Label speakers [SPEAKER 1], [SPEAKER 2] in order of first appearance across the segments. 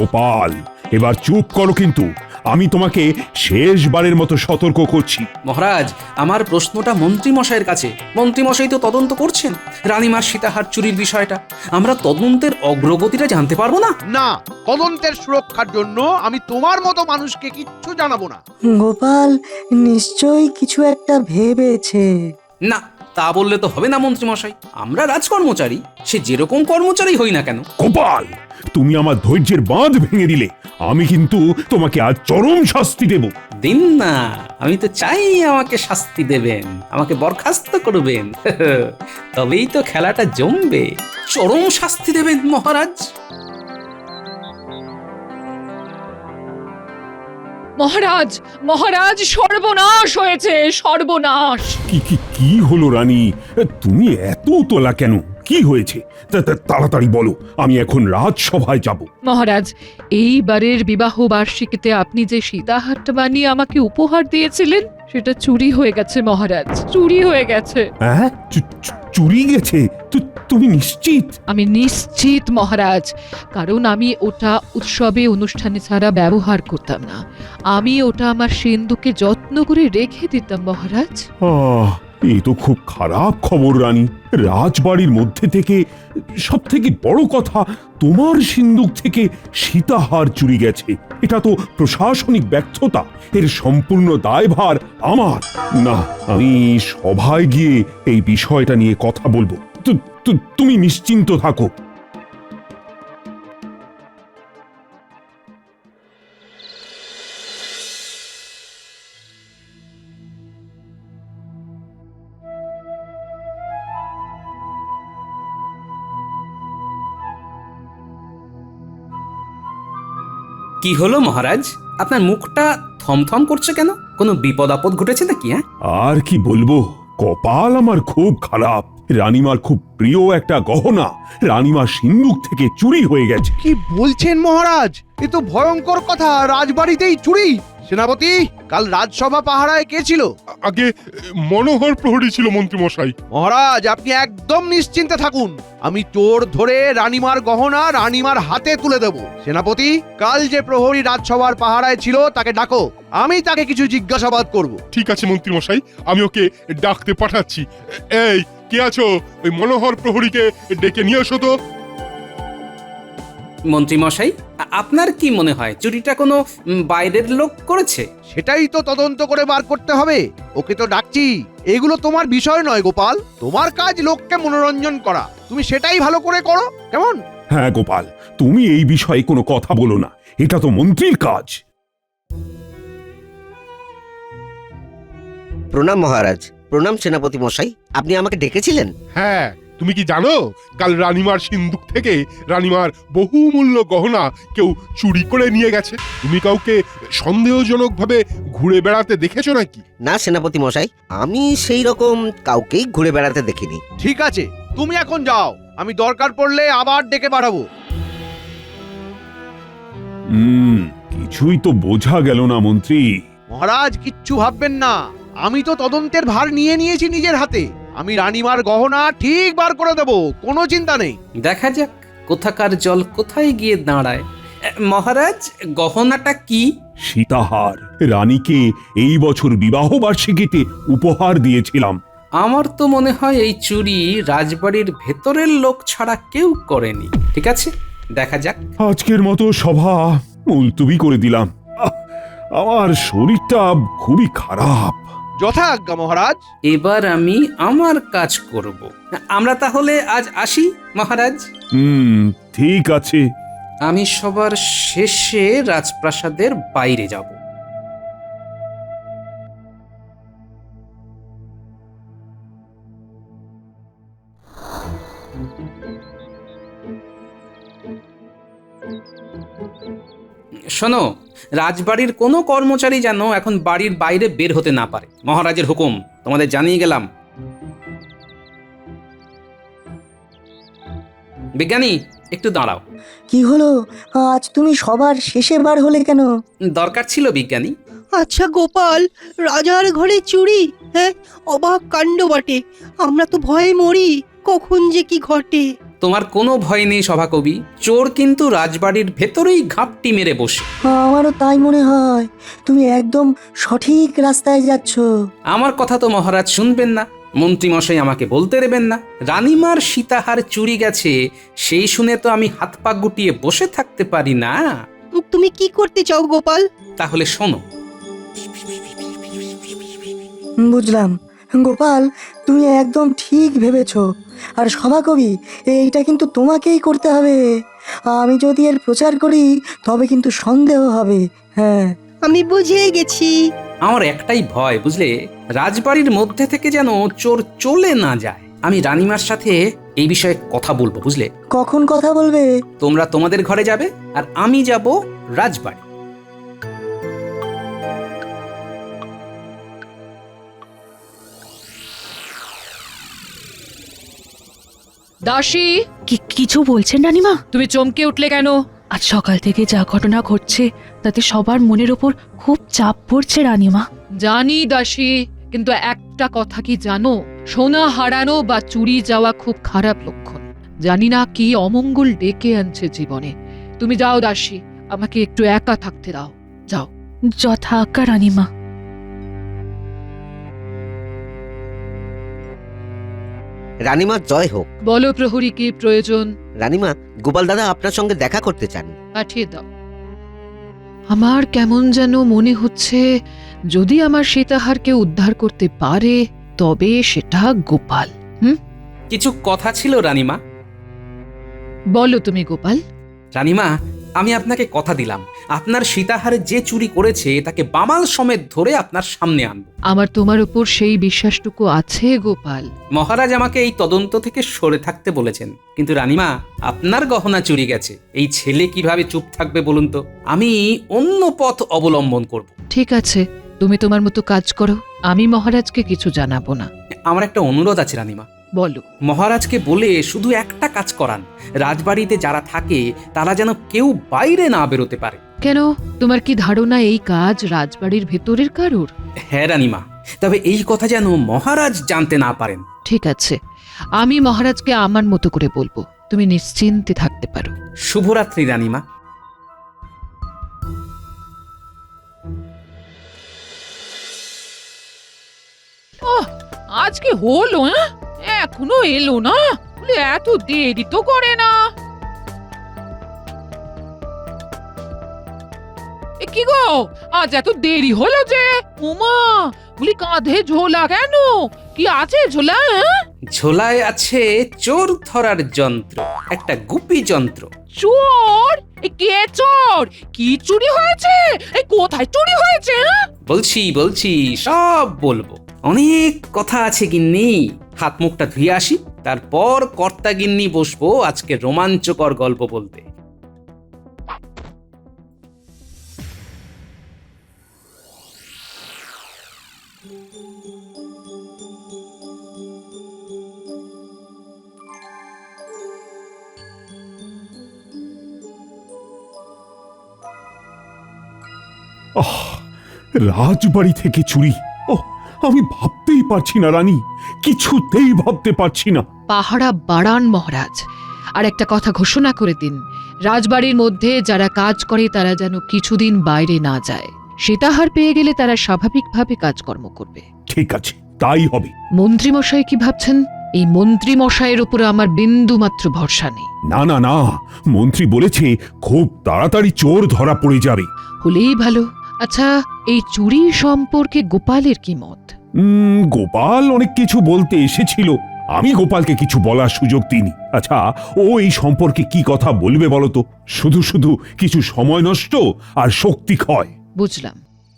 [SPEAKER 1] গোপাল, এবার চুপ করো, কিন্তু আমি তোমাকে শেষবারের মতো সতর্ক করছি।
[SPEAKER 2] মহারাজ, আমার প্রশ্নটা মন্ত্রী মশাইয়ের কাছে। মন্ত্রী মশাই তো তদন্ত করছেন রানীমার সীতাহার চুরির বিষয়টা। আমরা তদন্তের অগ্রগতিটা জানতে পারবো না?
[SPEAKER 3] না, তদন্তের সুরক্ষার জন্য আমি তোমার মতো মানুষকে কিচ্ছু জানাবো না।
[SPEAKER 4] গোপাল নিশ্চয়ই কিছু একটা ভেবেছে।
[SPEAKER 2] না, তা বললে তো হবে না মন্ত্রী মশাই। আমরা রাজকর্মচারী, সে যেরকম কর্মচারী হই না কেন।
[SPEAKER 1] গোপাল, তুমি আমার ধৈর্যের বাঁধ ভেঙে দিলে। আমি কিন্তু তোমাকে আজ চরম শাস্তি দেব।
[SPEAKER 2] দিন না, আমি তো চাই আমাকে শাস্তি দেবেন, আমাকে বরখাস্ত করবেন। তবেই তো খেলাটা জমবে। চরম শাস্তি দেবেন মহারাজ।
[SPEAKER 5] মহারাজ, মহারাজ, সর্বনাশ হয়েছে, সর্বনাশ।
[SPEAKER 1] কি কি কি হলো রানী? তুমি এত তোলা কেন? কি হয়েছে? তাড়াতাড়ি বলো, আমি এখন রাজসভায় যাব।
[SPEAKER 5] মহারাজ, এইবারের বিবাহ বার্ষিকীতে আপনি যে সীতাহারটা বানিয়ে আমাকে উপহার দিয়েছিলেন সেটা চুরি হয়ে গেছে মহারাজ, চুরি হয়ে গেছে।
[SPEAKER 1] হ্যাঁ, চুরি গেছে? তুমি নিশ্চিত?
[SPEAKER 5] আমি নিশ্চিত মহারাজ, কারণ আমি ওটা উৎসবে অনুষ্ঠানে ছাড়া ব্যবহার করতাম না। আমি ওটা আমার সিন্ধুকে যত্ন করে রেখে দিতাম মহারাজ।
[SPEAKER 1] এই তো খুব খারাপ খবর রানী। রাজবাড়ির মধ্যে থেকে সব থেকে বড় কথা, তোমার সিন্দুক থেকে সীতাহার চুরি গেছে। এটা তো প্রশাসনিক ব্যর্থতা। এর সম্পূর্ণ দায়ভার আমার। না, আমি সভায় গিয়ে এই বিষয়টা নিয়ে কথা বলবো। তুমি নিশ্চিন্ত থাকো।
[SPEAKER 2] কি হলো মহারাজ, আপনার মুখটা থমথম করছে কেন? কোনো বিপদ আপদ ঘটেছে নাকি?
[SPEAKER 1] আর কি বলবো, কপাল আমার খুব খারাপ। রানীমার খুব প্রিয় একটা গহনা রানীমার সিন্দুক থেকে চুরি হয়ে গেছে।
[SPEAKER 3] কি বলছেন মহারাজ? এ তো ভয়ঙ্কর কথা, রাজবাড়িতেই চুরি। সেনাপতি, কাল রাজসভা পাহারায় কে ছিল?
[SPEAKER 6] আগে মনোহর প্রহরী ছিল মন্ত্রী মশাই।
[SPEAKER 3] মহারাজ, আপনি একদম নিশ্চিন্তে থাকুন। আমি চোর ধরে রানীমার গহনা রানীমার হাতে তুলে দেব। সেনাপতি, কাল যে প্রহরী রাজসভার পাহারায় ছিল তাকে ডাকো, আমি তাকে কিছু জিজ্ঞাসাবাদ করব।
[SPEAKER 6] ঠিক আছে মন্ত্রী মশাই, আমি ওকে ডাকতে পাঠাচ্ছি। এই, কে আছো? ওই মনোহর প্রহরীকে ডেকে নিয়ে এসো তো।
[SPEAKER 2] মন্ত্রী মশাই, আপনার কি মনে হয় চুরিটা কোনো বাইরের লোক করেছে?
[SPEAKER 3] সেটাই তো তদন্ত করে বার করতে হবে। ওকে তো ডাকছি। এগুলো তোমার বিষয় নয় গোপাল, তোমার কাজ লোককে মনোরঞ্জন করা। তুমি সেটাই ভালো করে করো, কেমন?
[SPEAKER 1] হ্যাঁ গোপাল, তুমি এই বিষয়ে কোনো কথা বলো না, এটা তো মন্ত্রীর কাজ।
[SPEAKER 7] প্রণাম মহারাজ। প্রণাম সেনাপতি মশাই, আপনি আমাকে ডেকেছিলেন?
[SPEAKER 6] হ্যাঁ, তুমি কি জানো কাল রানীমার সিন্দুক থেকে রানীমার বহুমূল্য গহনা কেউ চুরি করে নিয়ে গেছে? তুমি কাউকে সন্দেহজনকভাবে ঘুরে বেড়াতে দেখেছো নাকি?
[SPEAKER 7] না সেনাপতি মশাই, আমি সেই রকম কাউকেই ঘুরে বেড়াতে দেখিনি।
[SPEAKER 3] ঠিক আছে, তুমি এখন যাও, আমি দরকার পড়লে আবার ডেকে পাঠাবো।
[SPEAKER 1] কিছুই তো বোঝা গেল না মন্ত্রী।
[SPEAKER 3] মহারাজ, কিচ্ছু ভাববেন না, আমি তো তদন্তের ভার নিয়ে নিয়েছি নিজের হাতে। আমি রানীমার গহনা ঠিক বার করে দেব, কোনো চিন্তা নেই।
[SPEAKER 2] দেখা যাক কোথাকার জল কোথায় গিয়ে দাঁড়ায়। মহারাজ, গহনাটা কি?
[SPEAKER 1] সীতাহার। রানীকে এই বছর বিবাহ বার্ষিকীতে উপহার দিয়েছিলাম।
[SPEAKER 2] আমার তো মনে হয় এই চুরি রাজবাড়ির ভেতরের লোক ছাড়া কেউ করেনি। ঠিক আছে, দেখা যাক।
[SPEAKER 1] আজকের মতো সভা মুলতুবি করে দিলাম। আমার শরীরটা খুবই খারাপ।
[SPEAKER 3] যথাজ্ঞা মহারাজ।
[SPEAKER 2] এবার আমি আমার কাজ করব। আমরা তাহলে আজ আসি মহারাজ।
[SPEAKER 1] ঠিক আছে।
[SPEAKER 2] আমি সবার শেষে রাজপ্রাসাদের বাইরে যাব। শোনো, রাজবাড়ির কোনো কর্মচারী যেন এখন বাড়ির বাইরে বের হতে না পারে। মহারাজের হুকুম, তোমাদের জানিয়ে গেলাম। বিজ্ঞানী, একটু দাঁড়াও।
[SPEAKER 4] কি হলো, আজ তুমি সবার শেষে বার হলে কেন?
[SPEAKER 2] দরকার ছিল বিজ্ঞানী।
[SPEAKER 8] আচ্ছা গোপাল, রাজার ঘরে চুরি? হ্যাঁ, অবাক কাণ্ড বটে। আমরা তো ভয়ে মরি, কখন যে কি ঘটে।
[SPEAKER 2] তোমার কোনো ভয় নেই সভাকবি, চোর কিন্তু রাজবাড়ির ভেতরেই ঘাপটি মেরে বসে।
[SPEAKER 4] আমারও তাই মনে হয়, তুমি একদম সঠিক রাস্তায় যাচ্ছ।
[SPEAKER 2] আমার কথা তো মহারাজ শুনবেন না, মন্ত্রীমশাই আমাকে বলতে দেবেন না। রানীমার সীতাহার চুরি গেছে সেই শুনে তো আমি হাত পা গুটিয়ে বসে থাকতে পারি না।
[SPEAKER 8] তুমি কি করতে চাও গোপাল?
[SPEAKER 2] তাহলে শোনো।
[SPEAKER 4] বুঝলাম গোপাল, তুমি একদম ঠিক ভেবেছ। আর সভাকবি, এইটা কিন্তু তোমাকেই করতে হবে। আমি যদি এর প্রচার করি তবে কিন্তু সন্দেহ হবে। হ্যাঁ,
[SPEAKER 8] আমি বুঝে গেছি।
[SPEAKER 2] আমার একটাই ভয় বুঝলে, রাজবাড়ির মধ্যে থেকে যেন চোর চলে না যায়। আমি রানীমার সাথে এই বিষয়ে কথা বলবো বুঝলে।
[SPEAKER 4] কখন কথা বলবে?
[SPEAKER 2] তোমরা তোমাদের ঘরে যাবে আর আমি যাব রাজবাড়ি।
[SPEAKER 5] দাসী,
[SPEAKER 9] কিছু বলছেন রানীমা?
[SPEAKER 5] তুমি চমকে উঠলে কেন?
[SPEAKER 9] আজ সকাল থেকে যা ঘটনা ঘটছে তাতে সবার মনের ওপর খুব চাপ পড়ছে রানীমা।
[SPEAKER 5] জানি দাসী, কিন্তু একটা কথা কি জানো, সোনা হারানো বা চুরি যাওয়া খুব খারাপ লক্ষণ। জানি না কি অমঙ্গল ডেকে আনছে জীবনে। তুমি যাও দাসী, আমাকে একটু একা থাকতে দাও, যাও।
[SPEAKER 9] যথা আজ্ঞা রানীমা।
[SPEAKER 7] রানীমার জয় হোক।
[SPEAKER 5] বলো প্রহরী, কি প্রয়োজন?
[SPEAKER 7] রানীমা, গোপাল দাদা আপনার সঙ্গে দেখা করতে চান।
[SPEAKER 5] পাঠিয়ে দাও। আমার কেমন যেন মনে হচ্ছে, যদি আমার সীতাহারকে উদ্ধার করতে পারে তবে সেটা গোপাল।
[SPEAKER 2] কিছু কথা ছিল রানীমা।
[SPEAKER 5] বলো তুমি গোপাল।
[SPEAKER 2] রানীমা, আমি আপনাকে কথা দিলাম, আপনার সীতাহারে যে চুরি করেছে তাকে বামাল সমেত ধরে আপনার সামনে আনবো।
[SPEAKER 5] আমার তোমার উপর সেই বিশ্বাসটুকু আছে গোপাল।
[SPEAKER 2] মহারাজ আমাকে এই তদন্ত থেকে সরে থাকতে বলেছেন, কিন্তু রানীমা, আপনার গহনা চুরি গেছে, এই ছেলে কিভাবে চুপ থাকবে বলুন তো? আমি অন্য পথ অবলম্বন করব।
[SPEAKER 5] ঠিক আছে, তুমি তোমার মতো কাজ করো, আমি মহারাজকে কিছু জানাবো না।
[SPEAKER 2] আমার একটা অনুরোধ আছে রানীমা।
[SPEAKER 5] বলো।
[SPEAKER 2] মহারাজকে বলে শুধু একটা কাজ করান, রাজবাড়িতে যারা থাকে তারা যেন কেউ বাইরে না বেরোতে পারে।
[SPEAKER 5] কেন, তোমার কি ধারণা এই কাজ রাজবাড়ির ভেতরের কারোর?
[SPEAKER 2] হ্যাঁ রানীমা, তবে এই কথা যেন মহারাজ জানতে না পারেন।
[SPEAKER 5] ঠিক আছে, আমি মহারাজকে আমার মতো করে বলবো, তুমি নিশ্চিন্তে থাকতে পারো।
[SPEAKER 2] শুভরাত্রি রানীমা।
[SPEAKER 5] আজকে হলো, এখনো এলো না? এত দেরি তো করে না। কি গো, আজ এত দেরি হলো যে? উমা, বলি কাঁধে ঝোলা কেন? কি আছে ঝোলা?
[SPEAKER 2] ঝোলায় আছে চোর ধরার যন্ত্র, একটা গুপি যন্ত্র।
[SPEAKER 5] চোর? কে চোর? কি চুরি হয়েছে? কোথায় চুরি হয়েছে?
[SPEAKER 2] বলছি সব বলবো। অনেক কথা আছে গিন্নি, হাত মুখটা ধুয়ে আসি, তারপর কর্তা গিন্নি বসবো আজকে রোমাঞ্চকর গল্প বলতে।
[SPEAKER 1] আহ, রাজবাড়ি থেকে চুরি! ও, আমি ভাবতেই পারছি না রানী, কিছুতেই ভাবতে পারছি না।
[SPEAKER 5] পাহারা বাড়ান মহারাজ, আর একটা কথা ঘোষণা করে দিন, রাজবাড়ির মধ্যে যারা কাজ করে তারা যেন কিছুদিন বাইরে না যায়। সীতাহার পেয়ে গেলে তারা স্বাভাবিকভাবে কাজকর্ম করবে।
[SPEAKER 1] ঠিক আছে, তাই হবে।
[SPEAKER 5] মন্ত্রীমশাই কি ভাবছেন? এই মন্ত্রীমশাইয়ের উপরে আমার বিন্দু মাত্র ভরসা নেই।
[SPEAKER 1] না না না, মন্ত্রী বলেছে খুব তাড়াতাড়ি চোর ধরা পড়ে যাবে।
[SPEAKER 5] হলেই ভালো। আচ্ছা, এই চুরি সম্পর্কে গোপালের কি মত?
[SPEAKER 1] গোপাল অনেক কিছু বলতে এসেছিল, আমি গোপালকে কিছু বলার সুযোগ দিইনি। আচ্ছা, ও এই সম্পর্কে কি কথা বলবে বলো তো? শুধু শুধু কিছু সময় নষ্ট আর শক্তি ক্ষয়।
[SPEAKER 5] বুঝলাম।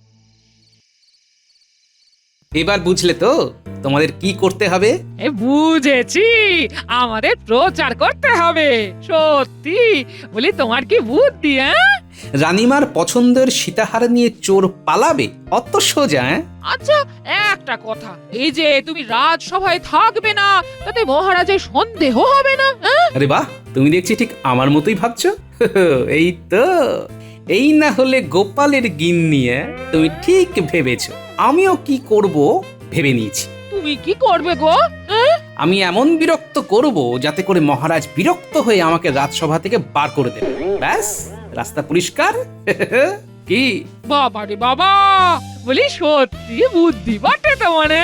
[SPEAKER 2] এবার বুঝলে তো তোমাদের কি করতে হবে?
[SPEAKER 5] বুঝেছি, আমাদের প্রচার করতে হবে। সত্যি বলি, তোমার কি বুদ্ধি!
[SPEAKER 2] রানীমার পছন্দের সীতাহার নিয়ে চোর পালাবে? অত সোজা?
[SPEAKER 5] আচ্ছা, একটা কথা, এই যে তুমি রাজসভায় থাকবে না, তাতে মহারাজের সন্দেহ হবে না?
[SPEAKER 2] আরে বাহ, তুমি দেখছি ঠিক আমার মতোই ভাবছো। এই তো, এই না হলে গোপালের গিন্নি। তুমি ঠিক ভেবেছো। আমিও কি করব ভেবে নিয়েছি।
[SPEAKER 5] তুমি কি করবে গো?
[SPEAKER 2] আমি এমন বিরক্ত করব যাতে করে মহারাজ বিরক্ত হয়ে আমাকে রাজসভা থেকে বার করে দেবে। ব্যাস, রাস্তা পরিষ্কার। কি
[SPEAKER 5] বাবা রে বাবা, বলি সত্যি বুদ্ধি বাটে তো মানে।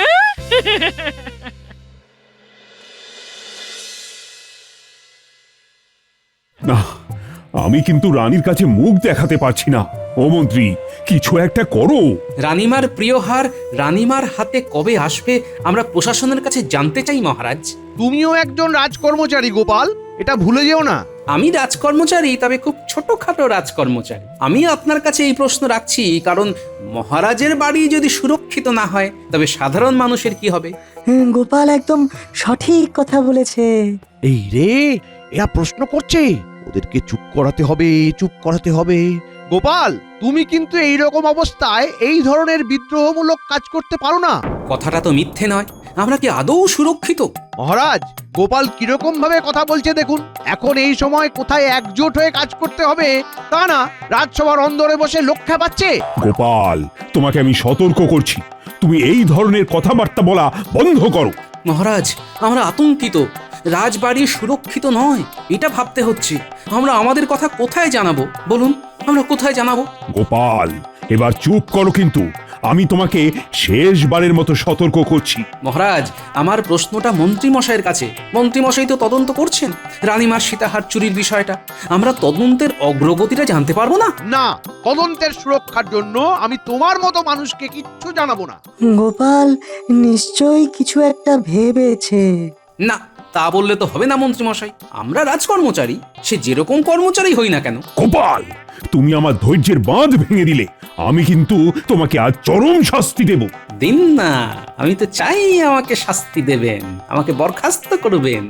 [SPEAKER 1] না, আমি কিন্তু রানীর কাছে মুখ দেখাতে পারছি না। ও মন্ত্রী, কিছু একটা করো।
[SPEAKER 2] রানীমার প্রিয় হার রানীমার হাতে কবে আসবে আমরা প্রশাসনের কাছে জানতে চাই মহারাজ।
[SPEAKER 3] তুমিও একজন রাজকর্মচারী গোপাল, এটা ভুলে যেও না।
[SPEAKER 2] আমি রাজকর্মচারী, তবে খুব ছোটখাটো রাজকর্মচারী। আমি আপনার কাছে এই প্রশ্ন রাখছি কারণ মহারাজের বাড়ি যদি সুরক্ষিত না হয় তবে সাধারণ মানুষের কি হবে?
[SPEAKER 4] গোপাল একদম সঠিক কথা বলেছে।
[SPEAKER 3] এই রে, এরা প্রশ্ন করছে, ওদেরকে চুপ করাতে হবে, চুপ করাতে হবে। গোপাল, তুমি কিন্তু এই রকম অবস্থায় এই ধরনের বিদ্রোহমূলক কাজ করতে পারো না।
[SPEAKER 2] কথাটা তো মিথ্যে নয়, আমরা কি আদৌ সুরক্ষিত?
[SPEAKER 3] মহারাজ, গোপাল কিরকম ভাবে কথা বলছে দেখুন। এখন এই সময় কোথায় একজোট হয়ে কাজ করতে হবে তা না, রাজসভার অন্দরে বসে লক্ষ্য পাচ্ছে।
[SPEAKER 1] গোপাল, তোমাকে আমি সতর্ক করছি, তুমি এই ধরনের কথাবার্তা বলা বন্ধ করো।
[SPEAKER 2] মহারাজ, আমরা আতঙ্কিত। রাজবাড়ি সুরক্ষিত নয়, এটা ভাবতে হচ্ছে। আমরা আমাদের কথা কোথায় জানাবো বলুন, আমরা কোথায় জানাবো?
[SPEAKER 1] গোপাল, এবার চুপ করো, কিন্তু আমি তোমাকে শেষবারের মতো সতর্ক করছি।
[SPEAKER 2] মহারাজ, আমার প্রশ্নটা মন্ত্রীমশাইয়ের কাছে। মন্ত্রীমশাই তো তদন্ত করছেন রানীমার সীতাহার চুরির বিষয়টা। আমরা তদন্তের অগ্রগতিটা জানতে পারবো না?
[SPEAKER 3] না, তদন্তের সুরক্ষার জন্য আমি তোমার মতো মানুষকে কিচ্ছু জানাবো না।
[SPEAKER 4] গোপাল নিশ্চয়ই কিছু একটা ভেবেছে।
[SPEAKER 2] না, তা বললে তো হবে না মন্ত্রীমশাই। আমরা রাজকর্মচারী, সে যেরকম কর্মচারী হই না কেন।
[SPEAKER 1] গোপাল, তুমি আমার ধৈর্যের বাঁধ ভেঙে দিলে। আমি কিন্তু তোমাকে আজ চরম শাস্তি দেব।
[SPEAKER 2] দিন না, আমি তো চাই আমাকে শাস্তি দেবেন, আমাকে বরখাস্ত করবেন।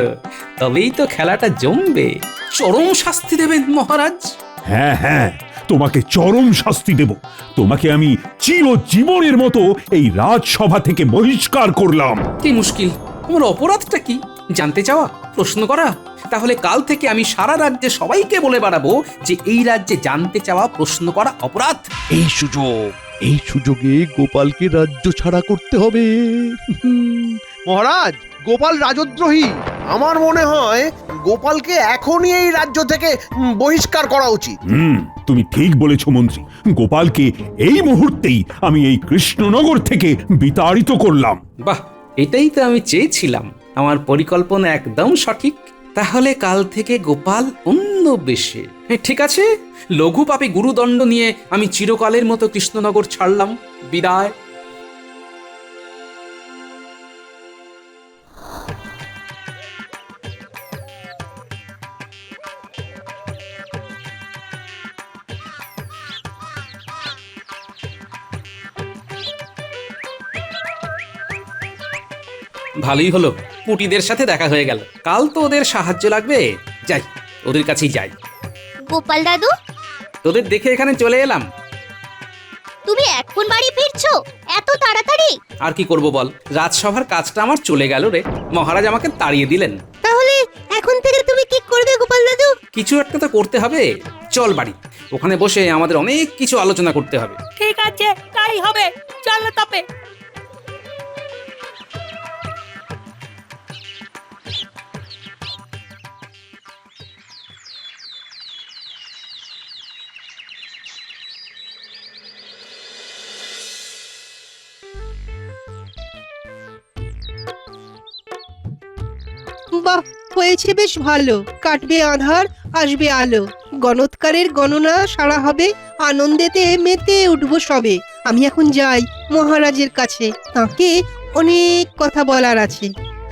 [SPEAKER 2] তবেই তো খেলাটা জমবে। চরম শাস্তি দেবেন মহারাজ?
[SPEAKER 1] হ্যাঁ হ্যাঁ, তোমাকে চরম শাস্তি দেব। তোমাকে আমি চিরজীবনের মতো এই রাজসভা থেকে বহিষ্কার করলাম।
[SPEAKER 2] কি মুশকিল, আমার অপরাধটা কি জানতে চাওয়া, প্রশ্ন করা? তাহলে কাল থেকে আমি সারা রাজ্যে সবাইকে বলে বেড়াবো যে এই রাজ্যে জানতে চাওয়া, প্রশ্ন করা অপরাধ।
[SPEAKER 3] এই সুযোগে গোপালকে রাজ্য ছাড়া করতে হবে। মহারাজ, গোপাল রাজদ্রোহী। আমার মনে হয় গোপালকে এখনই এই রাজ্য থেকে বহিষ্কার করা উচিত।
[SPEAKER 1] তুমি ঠিক বলেছ মন্ত্রী। গোপালকে এই মুহূর্তেই আমি এই কৃষ্ণনগর থেকে বিতাড়িত করলাম।
[SPEAKER 2] বাহ, এটাই তো আমি চেয়েছিলাম। আমার পরিকল্পনা একদম সঠিক। তাহলে কাল থেকে গোপাল অন্য বেশে। ঠিক আছে, লঘু পাপে গুরুদণ্ড নিয়ে আমি চিরকালের মতো কৃষ্ণনগর ছাড়লাম। বিদায়। ভালোই হলো, পুটিদের সাথে দেখা হয়ে গেল। কাল তো ওদের সাহায্য লাগবে। যাই, ওদের কাছেই যাই।
[SPEAKER 10] গোপাল দাদু,
[SPEAKER 2] তোদের দেখে এখানে চলে এলাম।
[SPEAKER 10] তুমি এখন বাড়ি ফিরছো এত তাড়াতাড়ি?
[SPEAKER 2] আর কি করব বল, রাজসভার কাজটা আমার চলে গেল রে। মহারাজ আমাকে তাড়িয়ে দিলেন।
[SPEAKER 8] তাহলে এখন থেকে তুমি কি করবে গোপাল দাদু?
[SPEAKER 2] কিছু একটা তো করতে হবে। চল বাড়ি, ওখানে বসে আমাদের অনেক কিছু আলোচনা করতে হবে।
[SPEAKER 8] ঠিক আছে, তাই হবে, চলো তবে। বাহ, হয়েছে বেশ ভালো। কাটবে আধার, আসবে আলো। গণৎকারের গণনা সারা হবে, আনন্দেতে মেতে উঠবো সবে। আমি এখন যাই মহারাজের কাছে, তাকে অনেক কথা বলার আছে।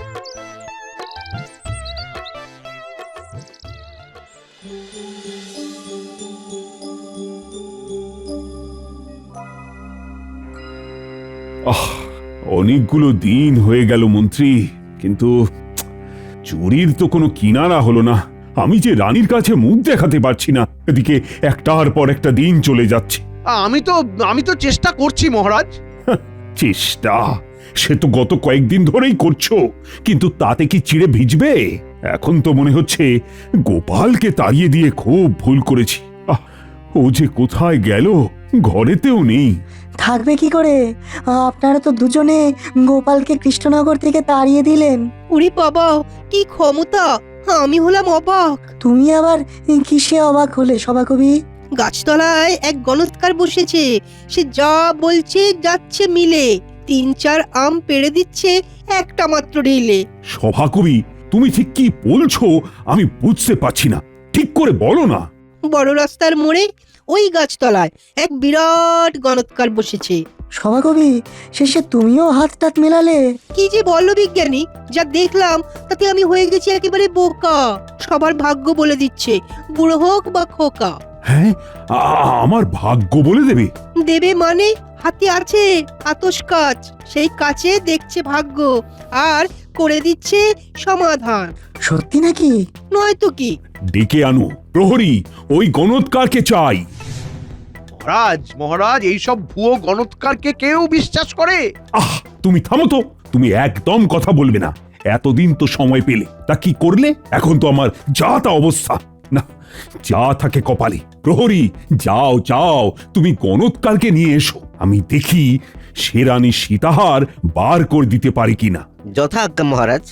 [SPEAKER 1] অনেকগুলো দিন হয়ে গেল মন্ত্রী, কিন্তু চুরির তো কোনো কিনারা হলো না। আমি যে রানীর কাছে মুখ দেখাতে পারছি না, এদিকে একটার পর একটা দিন চলে যাচ্ছে।
[SPEAKER 3] আমি তো চেষ্টা করছি মহারাজ।
[SPEAKER 1] চেষ্টা সে তো গত কয়েকদিন ধরেই করছো, কিন্তু তাতে কি চিড়ে ভিজবে? এখন তো মনে হচ্ছে গোপালকে তাড়িয়ে দিয়ে খুব ভুল করেছি। ও যে কোথায় গেল, ঘরেতেও নেই।
[SPEAKER 4] থাকবে কি করে? আপনারা তো দুজনে গোপালকে কৃষ্ণনগর থেকে তাড়িয়ে দিলেন।
[SPEAKER 8] উরি বাবা, কি ক্ষমতা! আমি হলাম অবাক।
[SPEAKER 4] তুমি আবার কিসে অবাক হলে সভাকবি?
[SPEAKER 8] গাছতলায় এক গণৎকার বসেছে, সে যা বলছে যাচ্ছে মিলে। 3-4 আম পেড়ে দিচ্ছে একটা মাত্র ঢিলে।
[SPEAKER 1] সভাকবি, তুমি ঠিক কি বলছো আমি বুঝতে পারছি না, ঠিক করে বলো না।
[SPEAKER 8] বড় রাস্তার মোড়ে ওই গাছতলায় এক বিরাট গণৎকার বসেছে।
[SPEAKER 4] সভাকবি, শেষে তুমিও হাত টাত মেলালে?
[SPEAKER 8] কি যে বললো বিজ্ঞানী, যা দেখলাম তাতে আমি হয়ে গেছি একেবারে বোকা। সবার ভাগ্য বলে দিচ্ছে, বুড়ো হোক বা খোকা।
[SPEAKER 1] হ্যাঁ, আমার ভাগ্য বলে দেবে?
[SPEAKER 8] দেবে মানে হাতে আছে আতস কাচ, সেই কাছে দেখছে ভাগ্য আর করে দিচ্ছে সমাধান।
[SPEAKER 4] সত্যি নাকি?
[SPEAKER 8] নয়তো কি।
[SPEAKER 1] ডেকে আনো প্রহরী, ওই গণৎকারকে চাই।
[SPEAKER 3] মহারাজ মহারাজ, এইসব ভুয়ো গণৎকারকে কেউ বিশ্বাস করে?
[SPEAKER 1] আহ, তুমি থামো তো, তুমি একদম কথা বলবে না। এতদিন তো সময় পেলে, তা কি করলে? এখন তো আমার যা তা অবস্থা। না, যা থাকে কপালে। প্রহরী, যাও যাও, তুমি গণৎকারকে নিয়ে এসো, আমি দেখি সে রানী সীতাহার বার করে দিতে পারি কিনা।
[SPEAKER 7] যথা আজ্ঞা মহারাজ।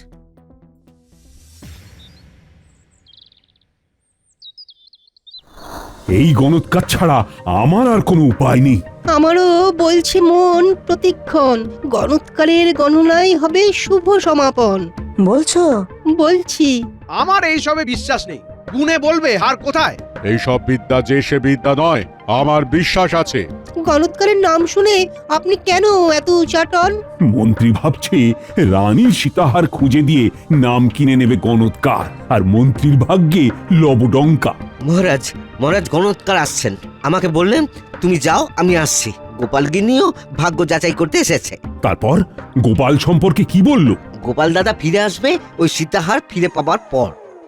[SPEAKER 1] এই গণৎকার ছাড়া আমার আর কোনো উপায় নেই।
[SPEAKER 8] আমারও বলছে মন প্রতিক্ষণ, গণৎকারের গণনাই হবে শুভ সমাপন।
[SPEAKER 4] বলছো?
[SPEAKER 8] বলছি।
[SPEAKER 3] আমার এইসবে বিশ্বাস নেই। গুনে বলবে হার কোথায়?
[SPEAKER 6] এইসব বিদ্যা যে সে বিদ্যা নয়, আমার বিশ্বাস আছে।
[SPEAKER 8] গণৎকারের নাম শুনে আপনি কেন এত উচাটন?
[SPEAKER 1] মন্ত্রী ভাবছে রানীর সীতাহার খুঁজে দিয়ে নাম কিনে নেবে গণৎকার, আর মন্ত্রীর ভাগ্যে লবডঙ্কা।
[SPEAKER 7] মহারাজ, মহারাজ গণৎকার আসছেন। আমাকে বললেন তুমি যাও, আমি আসছি। গোপাল গিন্নিও ভাগ্য যাচাই করতে এসেছে।
[SPEAKER 1] তারপর গোপাল সম্পর্কে কি বলল?
[SPEAKER 7] গোপাল দাদা ফিরে আসবে ওই সীতাহার ফিরে পাবার পর।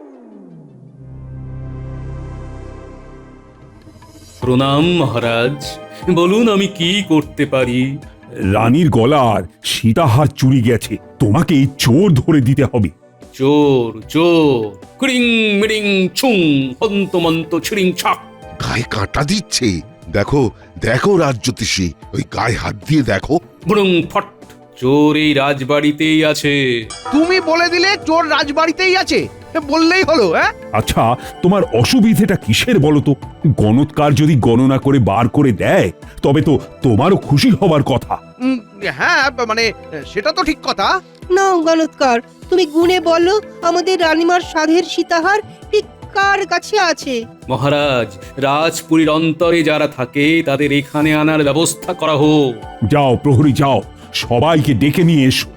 [SPEAKER 2] প্রণাম মহারাজ, বলুন আমি কি করতে পারি?
[SPEAKER 1] রানীর গলার সীতাহার চুরি গেছে, তোমাকে এই চোর ধরে দিতে হবে।
[SPEAKER 2] চোর চোর, ক্রিং মিরিং ছুং হন্তমন্ত ছিড়িং ছাক।
[SPEAKER 11] গায়ে কাঁটা দিচ্ছে। দেখো দেখো রাজজ্যোতিষী, ওই গায়ে হাত দিয়ে দেখো।
[SPEAKER 2] বুড়ুং ফট, চোর এই রাজবাড়িতেই আছে।
[SPEAKER 3] তুমি বলে দিলে চোর রাজবাড়িতেই আছে, বললেই হলো। হ্যাঁ,
[SPEAKER 1] আচ্ছা, তোমার অসুবিধেটা কিসের বলো তো? গণৎকার যদি গণনা করে বার করে দেয়, তবে তো তোমারও খুশি হবার কথা।
[SPEAKER 3] হ্যাঁ, মানে সেটা তো ঠিক কথা।
[SPEAKER 8] না গণৎকার, তুমি গুনে বলো আমাদের রানীমার সাধের সীতাহার ঠিক কার কাছে আছে।
[SPEAKER 2] মহারাজ, রাজপুরীর অন্তরে যারা থাকে তাদের এখানে আনার ব্যবস্থা করা হোক।
[SPEAKER 1] যাও প্রহরী, যাও, সবাইকে ডেকে নিয়ে এসো।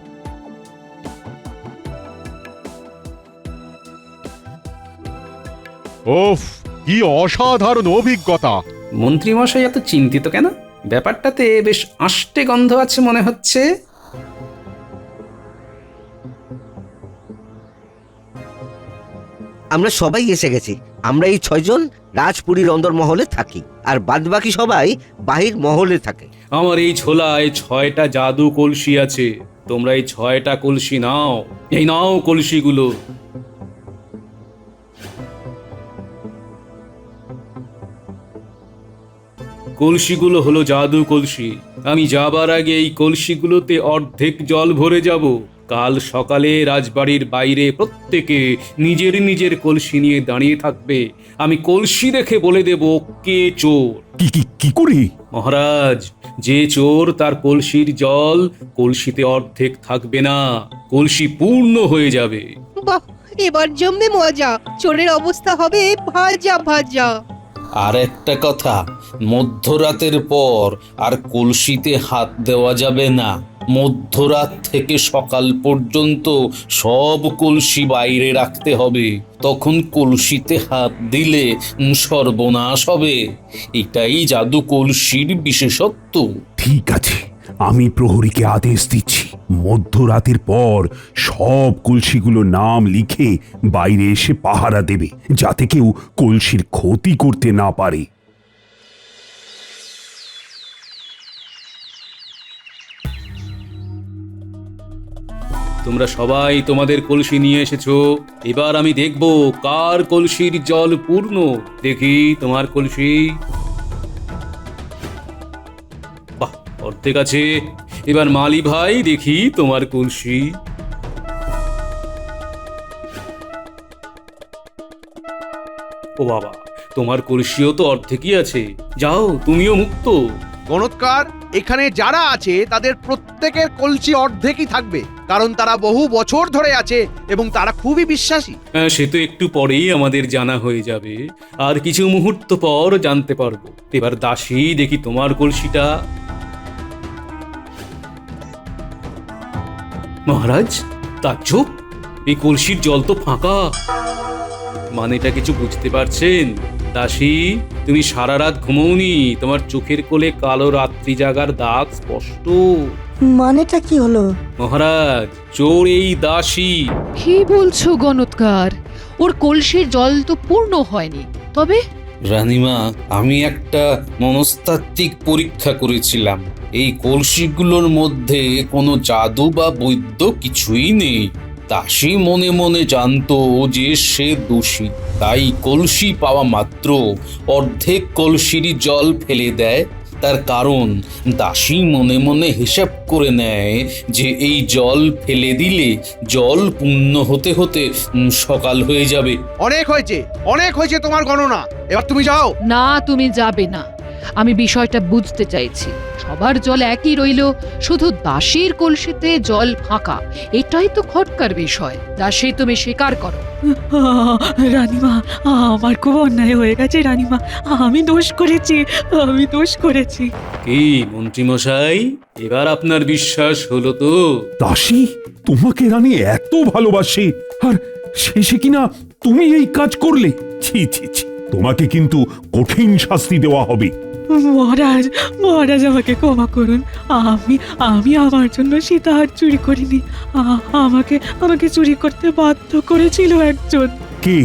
[SPEAKER 6] ওফ, কি অসাধারণ অভিজ্ঞতা!
[SPEAKER 2] মন্ত্রীমশাই এত চিন্তিত কেন? ব্যাপারটাতে বেশ আষ্টে গন্ধ আছে মনে হচ্ছে।
[SPEAKER 7] আমরা সবাই এসে গেছি। আমরা এই 6 জন রাজপুরীর অন্দর মহলে থাকি, আর বাদবাকি সবাই বাহির মহলে থাকে।
[SPEAKER 2] আমার এই ঝোলায় 6টা জাদু কলসি আছে। তোমরা এই 6টা কলসি নাও। এই নাও কলসিগুলো। কলসিগুলো হলো জাদু কলসি। আমি যাবার আগে এই কলসিগুলোতে অর্ধেক জল ভরে যাব। কাল সকালে রাজবাড়ির বাইরে প্রত্যেকে নিজের নিজের কলসি নিয়ে দাঁড়িয়ে থাকবে। আমি কলসি দেখে বলে দেব কে চোর।
[SPEAKER 1] কি করে?
[SPEAKER 2] মহারাজ, যে চোর তার কলসির জল কলসিতে অর্ধেক থাকবে না, কলসি পূর্ণ হয়ে যাবে।
[SPEAKER 8] বাহ, এবার জমবে মজা। চোরের অবস্থা হবে ভাজা ভাজা।
[SPEAKER 12] আর একটা কথা, মধ্যরাতের পর আর কলসিতে হাত দেওয়া যাবে না। মধ্যরাত থেকে সকাল পর্যন্ত সব কলসি বাইরে রাখতে হবে। তখন কলসিতে হাত দিলে সর্বনাশ হবে। এটাই জাদু কলসির বিশেষত্ব।
[SPEAKER 1] ঠিক আছে, আমি প্রহরীকে আদেশ দিচ্ছি, মধ্যরাতের পর সব কলসিগুলো নাম লিখে বাইরে এসে পাহারা দেবে, যাতে কেউ কলসির ক্ষতি করতে না পারে।
[SPEAKER 2] তোমরা সবাই তোমাদের কলসি নিয়ে এসেছো। এবার আমি দেখব কার কলসির জল পূর্ণ। দেখি তোমার কলসি। বাহ, অর্ধেক আছে। এবার মালি ভাই দেখি তোমার কলসি। ও বাবা, তোমার কলসিও তো অর্ধেকই আছে। যাও, তুমিও মুক্ত।
[SPEAKER 3] গণৎকার, এখানে যারা আছে তাদের প্রত্যেকের কলসি অর্ধেকই থাকবে, কারণ তারা বহু বছর ধরে আছে এবং তারা খুবই বিশ্বাসী।
[SPEAKER 2] সে তো একটু পরেই আমাদের জানা হয়ে যাবে, আর কিছু মুহূর্ত পর জানতে পারবো। এবার দাসী দেখি তোমার কলসিটা। মহারাজ, তাজ্জব! এই কলসির জল তো ফাঁকা। মানেটা কিছু বুঝতে পারছেন? দাসী, তুমি সারা রাত ঘুমোওনি। তোমার চোখের কোলে কালো রাত্রি জাগার দাগ স্পষ্ট।
[SPEAKER 4] মানেটা কি হলো?
[SPEAKER 2] মহারাজ, চোর এই দাসী।
[SPEAKER 5] কি বলছো গণৎকার? ওর কলসির জল তো পূর্ণ হয়নি, তবে
[SPEAKER 12] রানীমা, আমি একটা মনস্তাত্ত্বিক পরীক্ষা করেছিলাম। এই কলসিগুলোর মধ্যে কোনো জাদু বা বৈদ্য কিছুই নেই। দাসী মনে মনে জানতো যে সে দোষী, তাই কলসি পাওয়া মাত্র অর্ধেক কলসিরই জল ফেলে দেয়। তার কারণ দাসী মনে মনে হিসাব করে নেয় যে এই জল ফেলে দিলে জল পূর্ণ হতে হতে সকাল হয়ে যাবে।
[SPEAKER 3] অনেক হয়েছে, অনেক হয়েছে তোমার গণনা। এবার তুমি যাও।
[SPEAKER 5] না, তুমি যাবে না। আমি বিষয়টা বুঝতে চাইছি। সবার জল একই রইল, শুধু দাসীর কলসিতে জল ফাঁকা। এটাই তো খটকার বিষয়। দাসী, তুমি স্বীকার করো।
[SPEAKER 9] রানীমা, আমার খুব অন্যায় হয়ে গেছে রানীমা। আমি দোষ করেছি।
[SPEAKER 2] কি মন্ত্রীমশাই, এবার আপনার বিশ্বাস হলো তো?
[SPEAKER 1] দাসী তোমাকে রানী এত ভালোবাসে, আর শেষে কিনা তুমি এই কাজ করলে? ছি ছি ছি, তোমাকে কিন্তু কঠিন শাস্তি দেওয়া হবে।
[SPEAKER 9] মহারাজ আমাকে ক্ষমা করুন। আমি আমার জন্য সীতাহার চুরি করিনি। আমাকে চুরি করতে বাধ্য করেছিল একজন।
[SPEAKER 1] কে?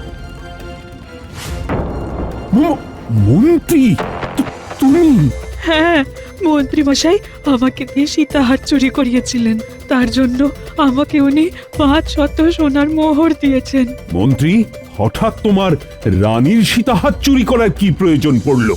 [SPEAKER 1] মন্ত্রী? তুমি?
[SPEAKER 9] হ্যাঁ, মন্ত্রী মশাই আমাকে দিয়ে সীতাহার চুরি করিয়েছিলেন। তার জন্য আমাকে উনি 500 সোনার মোহর দিয়েছেন।
[SPEAKER 1] মন্ত্রী, হঠাৎ তোমার রানীর সীতাহার চুরি করার কি প্রয়োজন পড়লো?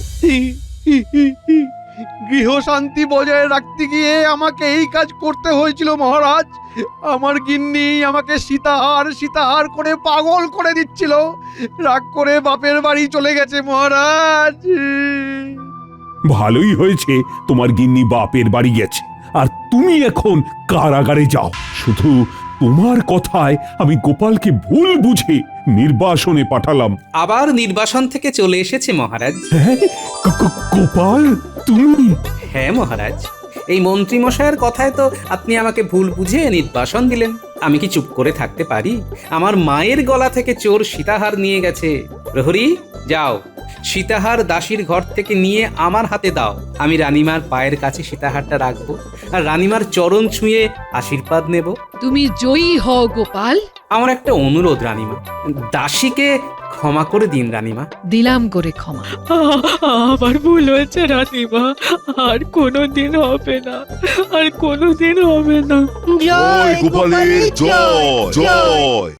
[SPEAKER 3] গৃহশান্তি বজায় রাখতে গিয়ে আমাকে এই কাজ করতে হয়েছিল মহারাজ। আমার গিন্নি আমাকে সীতাহার করে পাগল করে দিচ্ছিল। রাগ করে বাপের বাড়ি চলে গেছে মহারাজ।
[SPEAKER 1] ভালোই হয়েছে তোমার গিন্নি বাপের বাড়ি গেছে, আর তুমি এখন কারাগারে যাও। শুধু তোমার কথায় আমি গোপালকে ভুল বুঝে নির্বাসনে পাঠালাম।
[SPEAKER 2] আবার নির্বাসন থেকে চলে এসেছে মহারাজ।
[SPEAKER 1] হ্যাঁ, গোপাল তুমি?
[SPEAKER 2] হ্যাঁ মহারাজ, এই মন্ত্রী মশাইয়ের কথায় তো আপনি আমাকে ভুল বুঝে নির্বাসন দিলেন। আমি কি চুপ করে থাকতে পারি? আমার মায়ের গলা থেকে চোর সীতাহার নিয়ে গেছে। প্রহরী, যাও, সীতাহার দাসীর ঘর থেকে নিয়ে আমার হাতে দাও। আমি রানীমার পায়ের কাছে সীতাহারটা রাখবো, আর রানীমার চরণ ছুঁয়ে আশীর্বাদ নেব।
[SPEAKER 5] তুমি জয়ী হও গোপাল।
[SPEAKER 2] আমার একটা অনুরোধ রানীমা, দাসীকে ক্ষমা করে দিন রানীমা।
[SPEAKER 5] দিলাম করে ক্ষমা।
[SPEAKER 9] আমার ভুল হয়েছে রানীমা, আর কোনোদিন হবে না।
[SPEAKER 11] জয় গোপালের জয় জয়।